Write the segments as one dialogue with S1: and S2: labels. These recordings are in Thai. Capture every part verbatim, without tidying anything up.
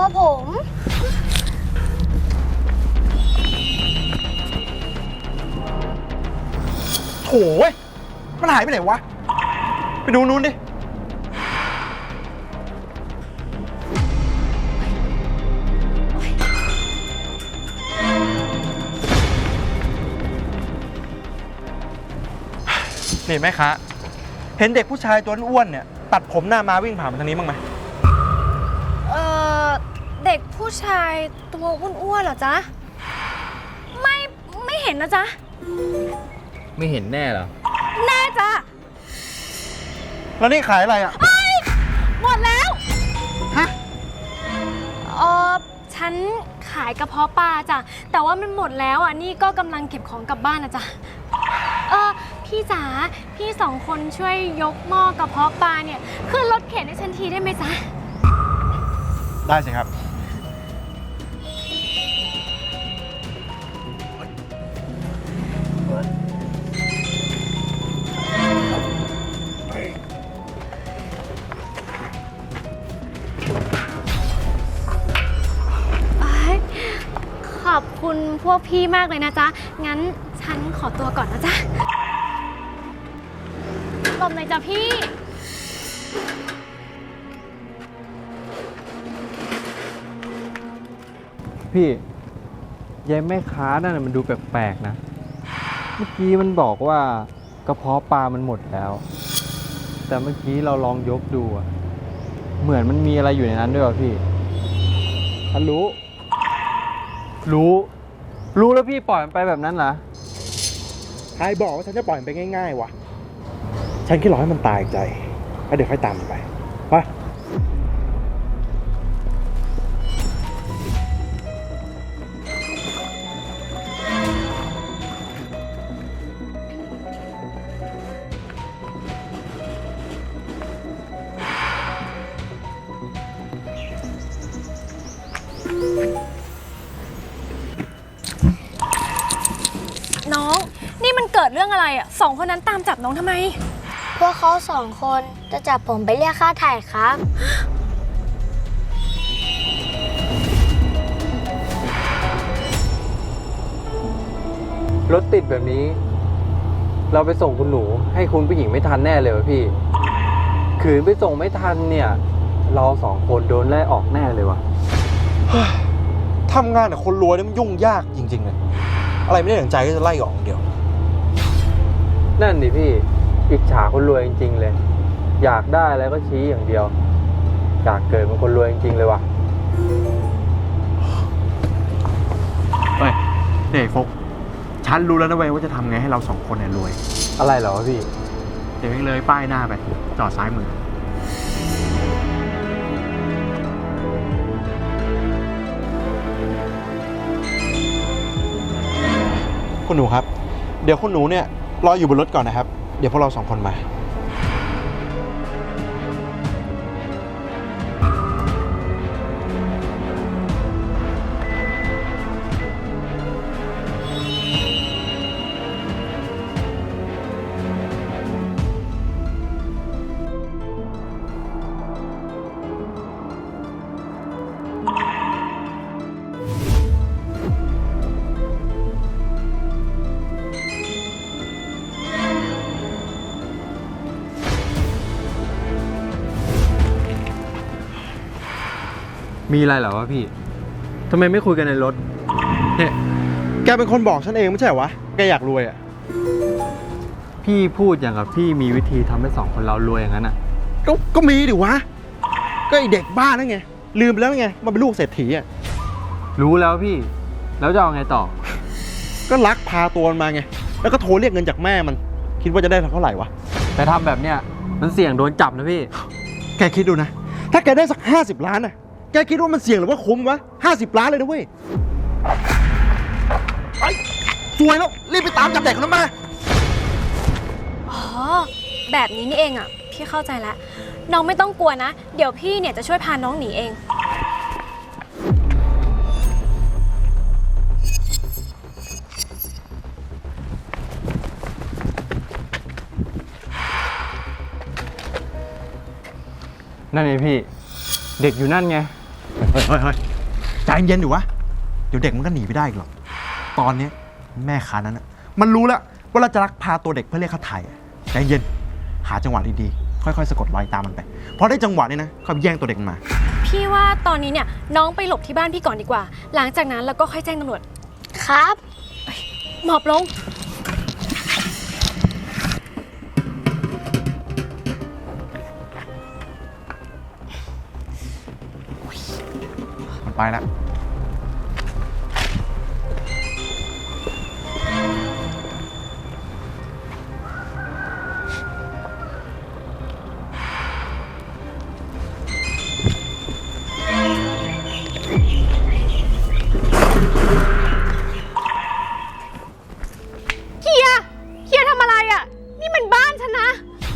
S1: ผม
S2: โถ่เว้ยมันหายไปไหนวะ ไปดูนู้นดิ นี่แม่ค้าเห็นเด็กผู้ชายตัวอ้วนเนี่ย ตัดผมหน้ามาวิ่งผ่านมาทางนี้บ้างไหม
S1: เอ่อ เด็กผู้ชายตัวอ้วนๆเหรอจ๊ะ ไม่ ไม่เห็นนะจ๊ะ
S3: ไม่เห็นแน่เหรอ
S1: แน่จ้ะ
S2: แล้วนี่ขายอะไรอ่ะ
S1: หมดแล้ว
S2: ฮะ
S1: เออฉันขายกระเพาะปลาจ้ะ แต่ว่ามันหมดแล้วอ่ะ นี่ก็กำลังเก็บของกลับบ้านนะจ๊ะ เออพี่จ๋า พี่สองคนช่วยยกหม้อกระเพาะปลาเนี่ยขึ้นรถเข็นให้ฉันทีได้ไหมจ๊ะ
S2: ได้สิครับ
S1: ขอบคุณพวกพี่มากเลยนะจ๊ะ งั้นฉันขอตัวก่อนนะจ๊ะหลบหน่อยจ้ะพี่
S3: พี่ยายแม่ค้านั่นนะมันดูแปลกๆนะ เมื่อกี้มันบอกว่ากระเพาะปลามันหมดแล้ว แต่เมื่อกี้เราลองยกดูอะเหมือนมันมีอะไรอยู่ในนั้นด้วยว่ะพี่ฉันรู้ รู้ รู้แล้วพี่ปล่อยมันไปแบบนั้นเหรอ
S2: ใครบอกว่าฉันจะปล่อยมันไปง่ายๆวะ ฉันแค่รอให้มันตายใจ แล้วเดี๋ยวค่อยตามมันไป ไป
S1: น้อง นี่มันเกิดเรื่องอะไรอ่ะสองคนนั้นตามจับน้องทำไม
S4: พวกเขาสองคนจะจับผมไปเรียกค่าไถ่ครับ
S3: รถติดแบบนี้ เราไปส่งคุณหนูให้คุณผู้หญิงไม่ทันแน่เลยวะพี่ ขืนไปส่งไม่ทันเนี่ย เราสองคนโดนไล่ออกแน่เลยวะ
S2: ทำงานกับคนรวยนี่มันยุ่งยากจริงๆเลย อะไรไม่ได้ดั่งใจก็จะไล่ออกอย่างเดียว
S3: นั่นดิพี่ อิจฉาคนรวยจริงๆเลย อยากได้อะไรก็ชี้อย่างเดียว อยากเกิดเป็นคนรวยจริงๆเลยวะ
S2: เฮ้ยเด็กฟกฉันรู้แล้วนะเว้ยว่าจะทำไงให้เราสองคนเนี่ยรวย
S3: อะไรเหรอวะพี่
S2: เดี๋ยวเองเลยป้ายหน้าไป จอดซ้ายมือ คุณหนูครับ เดี๋ยวคุณหนูเนี่ยรออยู่บนรถก่อนนะครับ เดี๋ยวพวกเราสองคนมา
S3: มีอะไรเหรอวะพี่ ทำไมไม่คุยกันในรถ
S2: เนี่ย แกเป็นคนบอกฉันเองไม่ใช่เหรอวะ แกอยากรวยอ่ะ
S3: พี่พูดอย่างกับพี่มีวิธีทำให้สองคนเรารวยอย่างนั้นอ่ะ
S2: ก็ก็มีดิวะ ก็ไอเด็กบ้านั่นไง ลืมไปแล้วไง มันเป็นลูกเศรษฐีอ่ะ
S3: รู้แล้วพี่ แล้วจะเอาไงต่อ
S2: ก็ลักพาตัวมันมาไง แล้วก็โทรเรียกเงินจากแม่มัน คิดว่าจะได้เท่าไหร่วะ
S3: แต่ทำแบบเนี้ยมันเสี่ยงโดนจับนะพี่
S2: แกคิดดูนะ ถ้าแกได้สักห้าสิบล้านน่ะ แกคิดว่ามันเสี่ยงหรือว่าคุ้มวะห้าสิบล้านเลยนะเว้ยไอ้สวยแล้ว รีบไปตามจับเด็กคนนั้นมา
S1: อ๋อ แบบนี้นี่เองอ่ะ พี่เข้าใจแล้ว น้องไม่ต้องกลัวนะ เดี๋ยวพี่เนี่ยจะช่วยพาน้องหนีเอง
S3: นั่นไงพี่ เด็กอยู่นั่นไง
S2: เฮ้ยเฮ้ยเฮ้ยใจเย็นอยู่วะ เดี๋ยวเด็กมันก็หนีไปได้อีกหรอก ตอนนี้แม่ค้านั้นนะมันรู้แล้วว่าเราจะลักพาตัวเด็กเพื่อเรียกค่าไถ่ใจเย็น หาจังหวะดีๆ ค่อยๆ สะกดรอยตามมันไป พอได้จังหวะนี้นะค่อยแย่งตัวเด็กมันมา
S1: พี่ว่าตอนนี้เนี่ยน้องไปหลบที่บ้านพี่ก่อนดีกว่า หลังจากนั้นเราก็ค่อยแจ้งตำรวจ
S4: ครับ
S1: หมอบลง
S2: มันไปแล้ว
S1: เฮีย เฮียทำอะไรอ่ะ นี่มันบ้านฉันนะ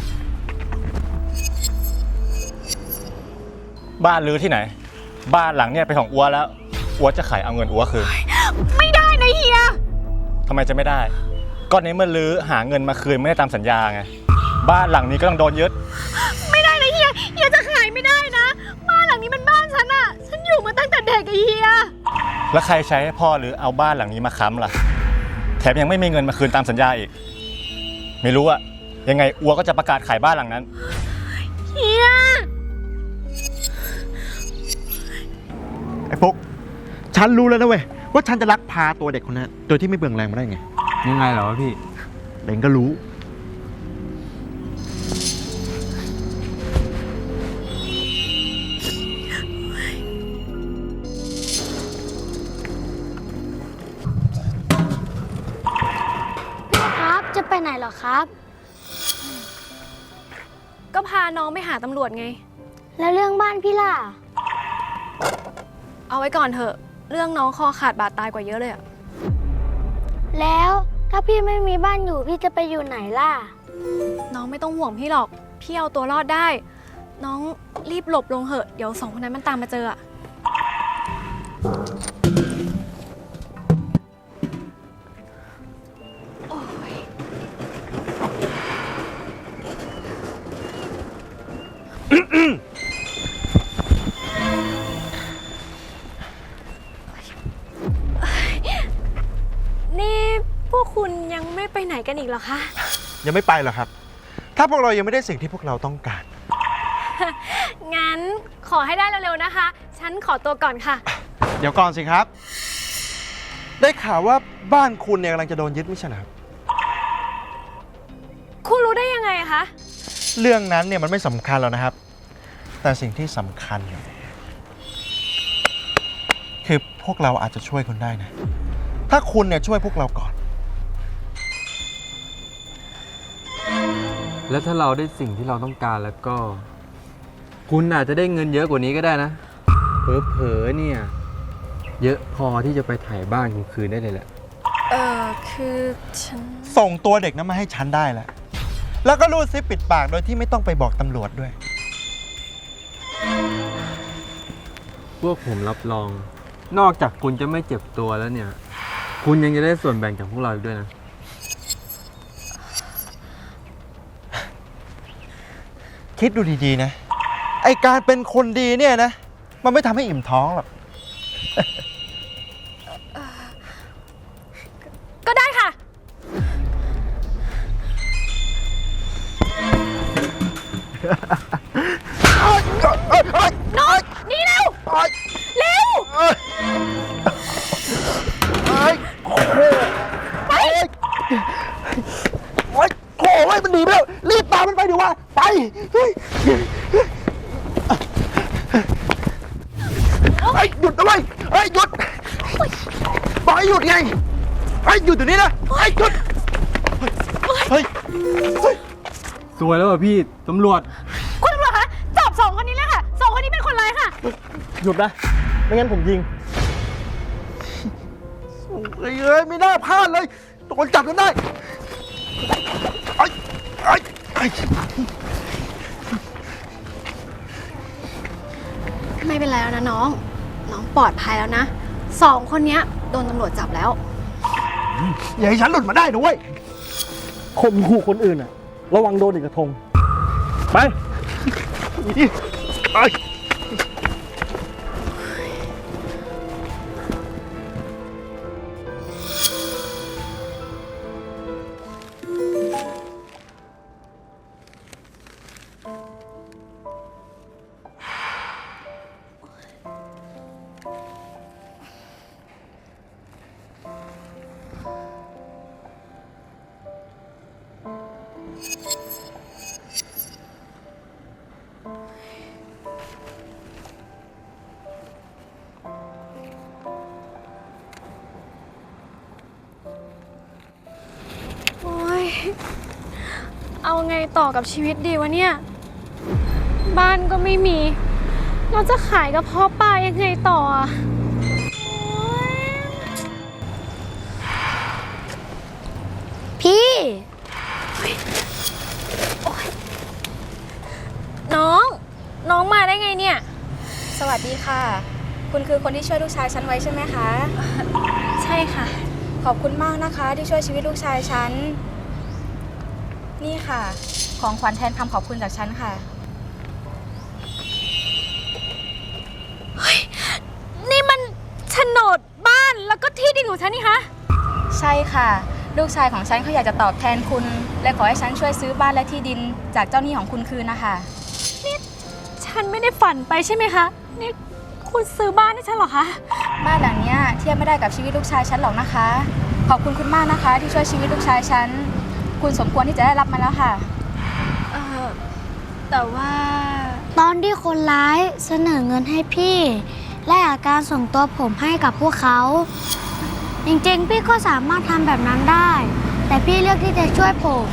S5: บ้านรื้อที่ไหน บ้านหลังเนี่ยเป็นของอัวแล้วอัวจะขายเอาเงินอัวคืน
S1: ไม่ได้นะเฮีย
S5: ทำไมจะไม่ได้ก็ในเมื่อรื้อหาเงินมาคืนไม่ได้ตามสัญญาไงบ้านหลังนี้ก็ต้องโดนยึด
S1: ไม่ได้นะเฮีย เฮียจะขายไม่ได้นะ บ้านหลังนี้มันบ้านฉันอ่ะ ฉันอยู่มาตั้งแต่เด็กไอ้เฮีย
S5: แล้วใครใช้ให้พ่อหรือเอาบ้านหลังนี้มาค้ำล่ะแถมยังไม่มีเงินมาคืนตามสัญญาอีกไม่รู้อะยังไงอัวก็จะประกาศขายบ้านหลังนั้น
S1: เฮีย
S2: ไอ้ปุ๊ก ฉันรู้แล้วนะเว้ยว่าฉันจะลักพาตัวเด็กคนนั้นโดยที่ไม่เบืองแรงมาได้ไง
S3: ยังไงเหรอวะพี่
S2: เด็กก็รู้
S4: ครับ จะไปไหนเหรอครับ
S1: ก็พาน้องไปหาตำรวจไง
S4: แล้วเรื่องบ้านพี่ล่ะ
S1: เอาไว้ก่อนเถอะ เรื่องน้องคอขาดบาดตายกว่าเยอะเลยอะ
S4: แล้วถ้าพี่ไม่มีบ้านอยู่พี่จะไปอยู่ไหนล่ะ
S1: น้องไม่ต้องห่วงพี่หรอก พี่เอาตัวรอดได้ น้องรีบหลบลงเหอะ เดี๋ยวสองคนนั้นมันตามมาเจออะ โอ้ย นี่พวกคุณยังไม่ไปไหนกันอีกเหรอคะ
S2: ยังไม่ไปหรอกครับ ถ้าพวกเรายังไม่ได้สิ่งที่พวกเราต้องการ
S1: งั้นขอให้ได้เร็วๆนะคะ ฉันขอตัวก่อนค่ะ
S2: เดี๋ยวก่อนสิครับ ได้ข่าวว่าบ้านคุณเนี่ยกำลังจะโดนยึดไม่ใช่เหรอครับ
S1: คุณรู้ได้ยังไงคะ
S2: เรื่องนั้นเนี่ยมันไม่สำคัญหรอกนะครับ แต่สิ่งที่สำคัญเนี่ยคือพวกเราอาจจะช่วยคุณได้นะ ถ้าคุณเนี่ยช่วยพวกเราก่อน
S3: แล้วถ้าเราได้สิ่งที่เราต้องการแล้วก็ คุณอาจจะได้เงินเยอะกว่านี้ก็ได้นะเผลอๆเนี่ย เยอะพอที่จะไปถ่ายบ้านคุณคืนได้เลยแหละ
S1: เออคือฉัน
S2: ส่งตัวเด็กนั้นมาให้ฉันได้แล้ว แล้วก็รูดซิปปิดปากโดยที่ไม่ต้องไปบอกตำรวจด้วย
S3: พวกผมรับรอง นอกจากคุณจะไม่เจ็บตัวแล้วเนี่ย คุณยังจะได้ส่วนแบ่งจากพวกเราอีกด้วยนะ
S2: คิดดูดีๆนะ ไอการเป็นคนดีเนี่ยนะ มันไม่ทำให้อิ่มท้องหรอก
S1: ก็ได้ค่ะ น้องนี่เร็ว เร็ว
S2: เอ้ยเอ้ยโอ้โหไปโอ้ยโอ้ยมันหนีไปแล้ว รีบตามมันไปดีว่า ไป เฮ้ยไอ้ยหยุดนะเว้ยไอ้ยหยุดบอกให้หยุดไงไอ้ยหยุดเดี๋ยวนี้นะไอ้ยหยุด เฮ้ย เฮ้ย
S3: สวยแล้วอ่ะพี่ ตำรวจ
S1: คุณตำรวจคะ จับสองคนนี้เลยค่ะ สองคนนี้เป็นคนร้ายค่ะ
S2: หยุดนะ ไม่งั้นผมยิงเอ้ยเอ้ยไม่น่าพลาดเลยโดนจับจนได้ไอ้ไอ้ไอ้
S1: ไม่เป็นไรแล้วนะน้อง น้องปลอดภัยแล้วนะ สองคนเนี้ยโดนตำรวจจับแล้ว
S2: อย่าให้ฉันหลุดมาได้นะเว้ย
S6: ข่มขู่คนอื่นอะระวังโดนอีกกระทง ไป
S2: นี่ดิไป
S1: เอาไงต่อกับชีวิตดีวะเนี่ย บ้านก็ไม่มี เราจะขายกระเพาะปลายังไงต่ออะโอ๊ย
S4: พี่
S1: น้อง น้องมาได้ไงเนี่ย
S7: สวัสดีค่ะ คุณคือคนที่ช่วยลูกชายฉันไว้ใช่ไหมคะ
S1: ใช่ค่ะ
S7: ขอบคุณมากนะคะที่ช่วยชีวิตลูกชายฉัน นี่ค่ะ ของขวัญแทนคำขอบคุณจากฉันค่ะ
S1: นี่มันโฉนดบ้านแล้วก็ที่ดินของฉันนี่คะ
S7: ใช่ค่ะ ลูกชายของฉันเขาอยากจะตอบแทนคุณ และขอให้ฉันช่วยซื้อบ้านและที่ดินจากเจ้าหนี้ของคุณคืนนะคะ
S1: ฉันไม่ได้ฝันไปใช่ไหมคะ นี่คุณซื้อบ้านให้ฉันเหรอคะ
S7: บ้านหลังเนี้ยเทียบไม่ได้กับชีวิตลูกชายฉันหรอกนะคะ ขอบคุณคุณมากนะคะ ที่ช่วยชีวิตลูกชายฉัน คุณสมควรที่จะได้รับมันแล้วค่ะ
S1: เออแต่ว่า
S4: ตอนที่คนร้ายเสนอเงินให้พี่ และอาการส่งตัวผมให้กับพวกเขา จริงๆ พี่ก็สามารถทำแบบนั้นได้ แต่พี่เลือกที่จะช่วยผม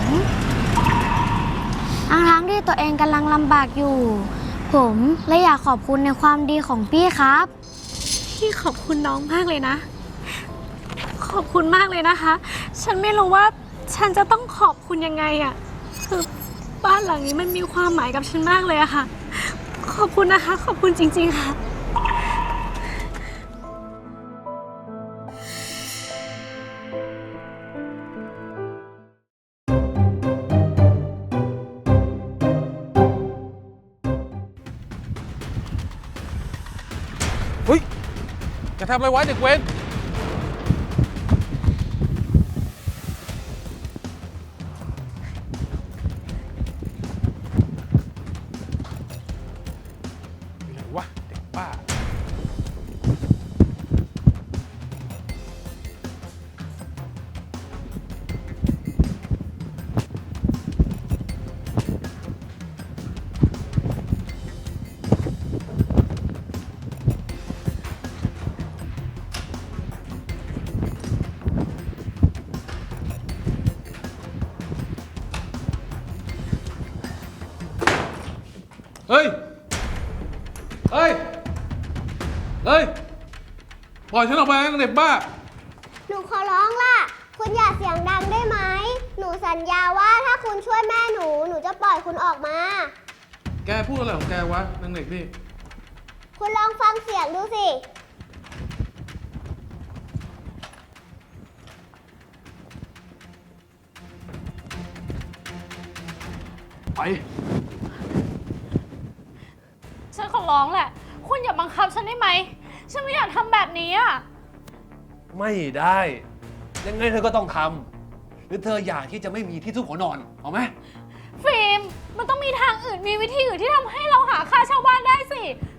S4: ทั้งๆที่ตัวเองกำลังลำบากอยู่ ผมเลยอยากขอบคุณในความดีของพี่ครับ
S1: พี่ขอบคุณน้องมากเลยนะ ขอบคุณมากเลยนะคะ ฉันไม่รู้ว่าฉันจะต้องขอบคุณยังไงอะคือบ้านหลังนี้มันมีความหมายกับฉันมากเลยอะค่ะ ขอบคุณนะคะ ขอบคุณจริงๆค่ะ
S8: เฮ้ยจะทำอะไรไว้เด็กเว้นอะไรวะเด็กบ้า เฮ้ย เฮ้ย เฮ้ย ปล่อยฉันออกไปนะเด็กบ้า
S9: หนูขอร้องล่ะ คุณอย่าเสียงดังได้ไหม หนูสัญญาว่าถ้าคุณช่วยแม่หนู หนูจะปล่อยคุณออกมา
S8: แกพูดอะไรของแกวะนางเด็กนี่
S9: คุณลองฟังเสียงดูสิ
S8: ไป
S1: ฉันขอร้องแหละ คุณอย่าบังคับฉันได้ไหม ฉันไม่อยากทำแบบนี้อะ
S10: ไม่ได้ ยังไงเธอก็ต้องทำหรือเธออยากที่จะไม่มีที่ซุกหัวนอนเอาไหม
S1: ฟิล์ม มันต้องมีทางอื่น มีวิธีอื่นที่ทำให้เราหาค่าเช่าบ้านได้สิ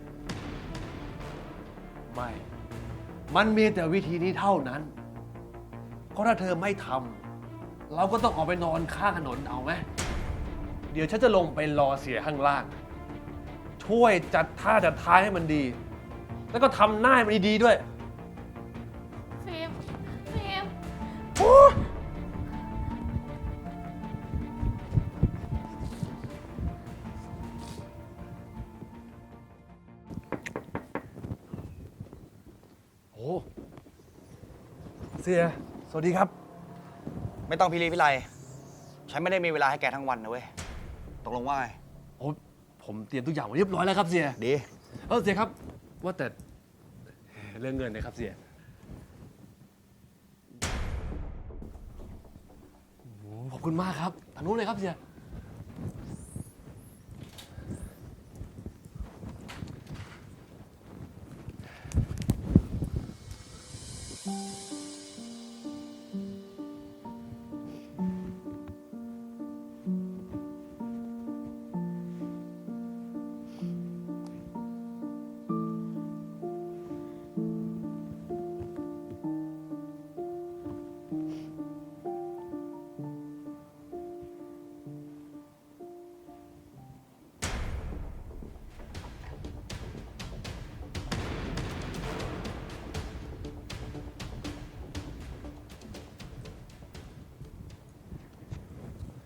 S10: ไม่ มันมีแต่วิธีนี้เท่านั้นเพราะถ้าเธอไม่ทำเราก็ต้องออกไปนอนข้างถนนเอาไหมเดี๋ยวฉันจะลงไปรอเสียข้างล่าง ช่วยจัดท่าจัดทางให้มันดี แล้วก็ทำหน้าให้มันดีๆด้วย
S1: ฟิล์ม ฟิล์ม
S10: โอ้เสีย สวัสดีครับ
S2: ไม่ต้องพิรีพิไรฉันไม่ได้มีเวลาให้แกทั้งวันนะเว้ย ตกลงว่าไง
S10: โอ้ผมเตรียมทุกอย่างไว้เรียบร้อยแล้วครับเสีย
S2: ดี
S10: เออเสียครับ ว่าแต่เรื่องเงินนะครับเสียโอ้โหขอบคุณมากครับทางนู้นเลยครับเสีย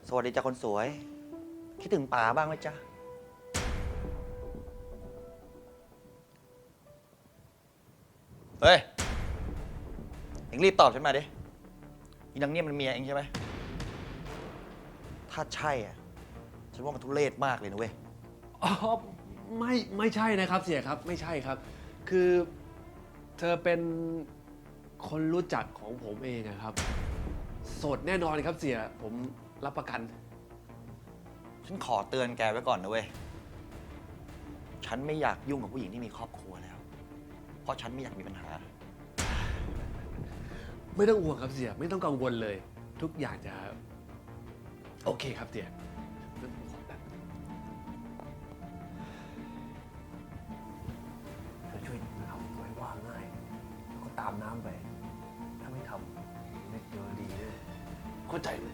S11: สวัสดีจ้าคนสวย คิดถึงป๋าบ้างไหมจ๊ะ เฮ้ย เอ็งรีบตอบฉันมาดิอีนางเนี่ยมันเมียเอ็งใช่ไหม ถ้าใช่อ่ะ ฉันว่ามันทุเรศมากเลยนะเว้ย
S10: อ๋อไม่ไม่ใช่นะครับเสียครับไม่ใช่ครับ คือเธอเป็นคนรู้จักของผมเองอะครับโสดแน่นอนครับเสียผมรับประกัน
S11: ฉันขอเตือนแกไว้ก่อนนะเว้ย ฉันไม่อยากยุ่งกับผู้หญิงที่มีครอบครัวแล้ว เพราะฉันไม่อยากมีปัญหา
S10: ไม่ต้องห่วงครับเสียไม่ต้องกังวลเลย ทุกอย่างจะโอเคครับเสียไม่ต้องห่วงนะเธอช่วยทำไว้ว่าง่ายแล้วก็ตามน้ำไป ถ้าไม่ทำไม่เจอดีเลยเข้าใจไหม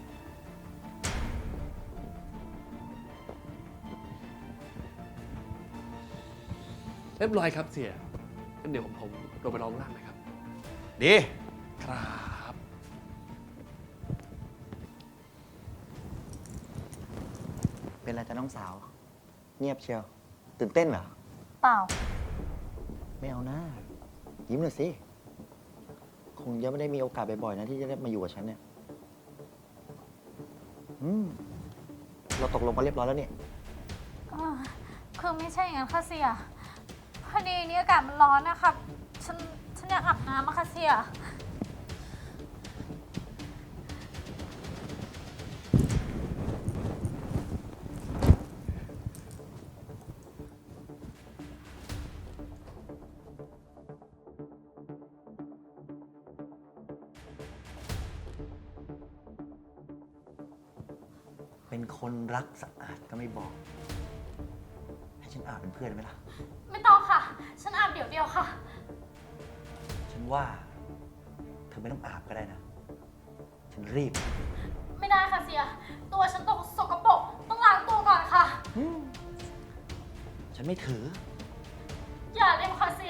S10: เรียบร้อยครับเสียงั้นเดี๋ยวผมผมลงไปร้องล่างนะครับ
S11: ดี
S10: ครับ
S11: เป็นไรจ้ะน้องสาว เงียบเชียว ตื่นเต้นเหรอ
S7: เปล่า
S11: ไม่เอาหน้า ยิ้มหน่อยสิ คงยังไม่ได้มีโอกาสบ่อยๆนะที่จะได้มาอยู่กับฉันเนี่ย อืม เราตกลงกันเรียบร้อยแล้วเนี่ย
S1: อ่าคือไม่ใช่อย่างนั้นค่ะเสีย พอดีนี้อากาศมันร้อนนะคะฉันฉันอยากอาบน้ำอะค่ะเสีย
S11: เป็นคนรักสะอาดก็ไม่บอก ให้ฉันอาบเป็นเพื่อนไหมล่ะ
S1: ไม่ต้องค่ะ ฉันอาบเดี๋ยวเดียวค่ะ
S11: ฉันว่า เธอไม่ต้องอาบก็ได้นะ ฉันรีบ
S1: ไม่ได้ค่ะเสีย ตัวฉันตกสกปรกต้องล้างตัวก่อนค่ะ
S11: ฉันไม่ถือ
S1: อย่าเลยค่ะเสีย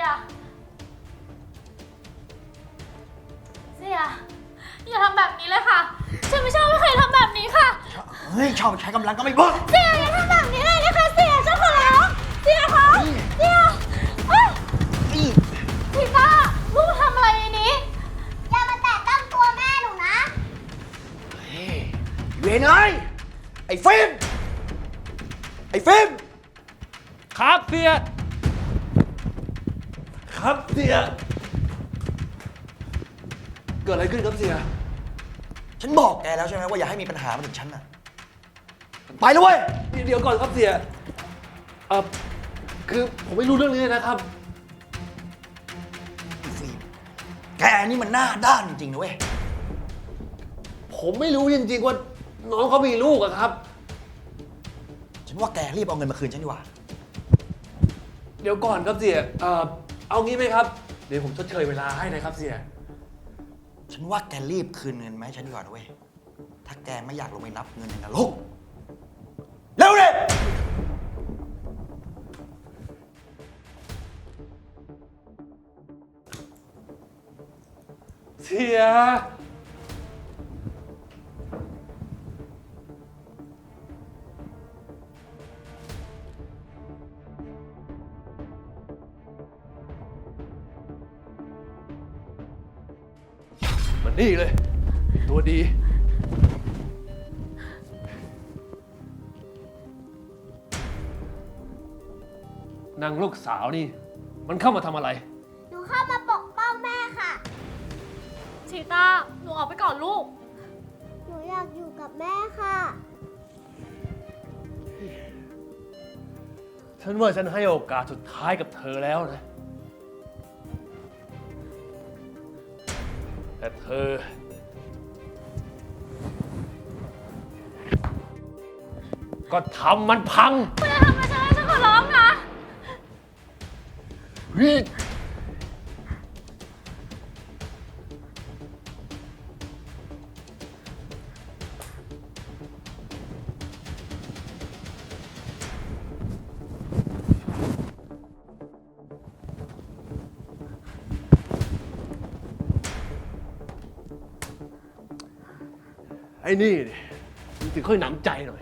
S1: เสีย อย่าทำแบบนี้เลยค่ะ ฉันไม่ชอบไม่เคยทำแบบนี้ค่ะ
S11: เฮ้ย ชอบใช้กำลังก็ไม่บอก
S1: เสียอย่าทำแบบนี้เลยนะคะเสียฉันขอร้องเสียคะเสียเอ้ย
S11: นี่
S1: ทีต้าลูกทำอะไรในนี้
S9: อย่ามาแตะต้องตัวแม่หนูนะ
S11: เฮ้ยเวนเอ้ยไอ้ฟิล์มไอ้ฟิล์ม
S10: ครับเสียครับเสียเกิดอะไรขึ้นครับเสีย
S11: ฉันบอกแกแล้วใช่ไหมว่าอย่าให้มีปัญหามาถึงฉันน่ะ ไปเลยเว้ย
S10: เดี๋ยวก่อนครับเสียเออคือผมไม่รู้เรื่องนี้เลยนะครับ
S11: ไอ้ฟิล์มแกนี่มันหน้าด้านจริงๆนะเว้ย
S10: ผมไม่รู้จริงๆว่าน้องเขามีลูกอะครับ
S11: ฉันว่าแกรีบเอาเงินมาคืนฉันดีกว่า
S10: เดี๋ยวก่อนครับเสียเออเอางี้ไหมครับ เดี๋ยวผมชดเชยเวลาให้นะครับเสีย
S11: ฉันว่าแกรีบคืนเงินมาให้ฉันดีกว่านะเว้ย ถ้าแกไม่อยากลงไปนับเงินในนรกเร็วเลย
S10: เสีย มันนี่เลย ตัวดี นางลูกสาวนี่ มันเข้ามาทำอะไร
S9: หนูเข้ามาปกป้องแม่ค่ะ
S1: ชีต้า หนูออกไปก่อนลูก
S9: หนูอยากอยู่กับแม่ค่ะ
S10: ฉันว่าฉันให้โอกาสสุดท้ายกับเธอแล้วนะ แต่เธอ ก็ทำมันพัง
S1: ไม่ได้ทำอะไรฉันฉันขอร้องนะ
S10: เฮ้ยไอ้นี่ดิมันสิค่อยหนำใจหน่อย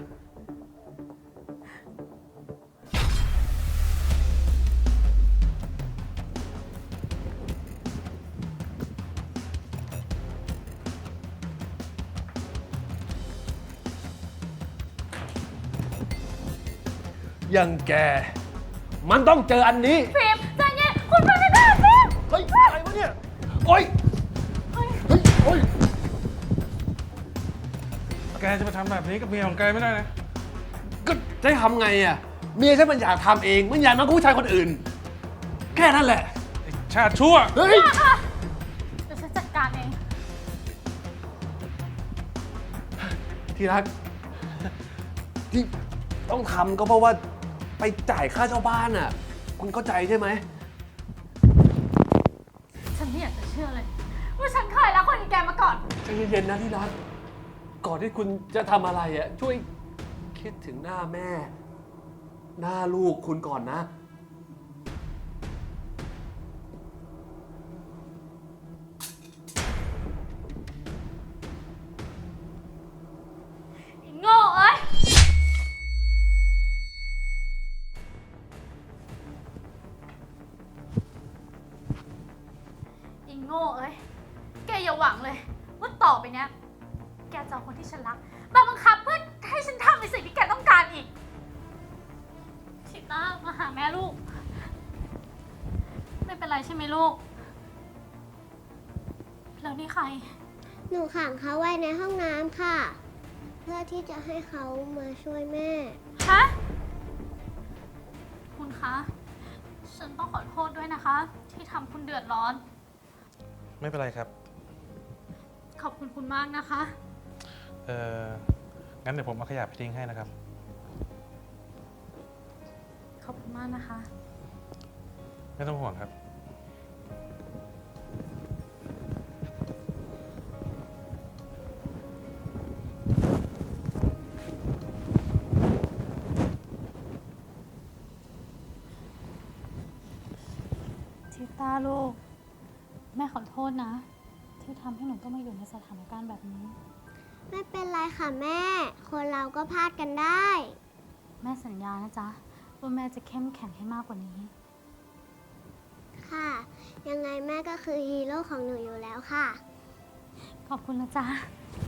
S10: อย่างแก มันต้องเจออันนี้
S1: ฟิล์มใจเย็นคุณพนักงานฟิล์ม
S10: เฮ้ย อะไรวะเนี่ย โอ๊ย เฮ้ย โอ๊ย
S8: แกจะมาทำแบบนี้กับเมียของแกไม่ได้นะ
S10: ก็จะให้ทำไงอ่ะ เมียฉันมันอยากทำเอง มันอยากมากับผู้ชายคนอื่น แค่นั้นแหละ
S8: ไอ้ชาติชั่ว
S10: เฮ้ย
S1: เดี๋ยวฉันจัดการเอง
S10: ที่รัก ที่ต้องทำก็เพราะว่าไปจ่ายค่าเช่าบ้านอ่ะ คุณเข้าใจใช่ไหม
S1: ฉันไม่อยากจะเชื่อเลย ว่าฉันเคยรักคนอย่างแกมาก่อน
S10: ใจเย็นๆนะที่รัก ก่อนที่คุณจะทำอะไรอ่ะ ช่วยคิดถึงหน้าแม่ หน้าลูกคุณก่อนนะ
S1: ไอ้โง่เอ้ย ไอ้โง่เอ้ย แกอย่าหวังเลย ว่าต่อไปเนี้ย แกจะเอาคนที่ฉันรักมาบังคับเพื่อให้ฉันทำในสิ่งที่แกต้องการอีก ชิต้ามาหาแม่ลูก ไม่เป็นไรใช่ไหมลูก แล้วนี่ใคร
S9: หนูขังเขาไว้ในห้องน้ำค่ะ เพื่อที่จะให้เขามาช่วยแม่
S1: ฮะ คุณคะ ฉันต้องขอโทษด้วยนะคะ ที่ทำคุณเดือดร้อน
S8: ไม่เป็นไรครับ
S1: ขอบคุณคุณมากนะคะ
S8: เอองั้นเดี๋ยวผมเอาขยะไปทิ้งให้นะครับ
S1: ขอบคุณมากนะคะ
S8: ไม่ต้องห่วงครับ
S1: ทิต้าลูก แม่ขอโทษนะ ที่ทำให้หนูต้องมาอยู่ในสถานการณ์แบบนี้
S9: ไม่เป็นไรค่ะแม่ คนเราก็พลาดกันได้
S1: แม่สัญญานะจ๊ะ ว่าแม่จะเข้มแข็งให้มากกว่านี้
S9: ค่ะ ยังไงแม่ก็คือฮีโร่ของหนูอยู่แล้วค่ะ
S1: ขอบคุณนะจ๊ะ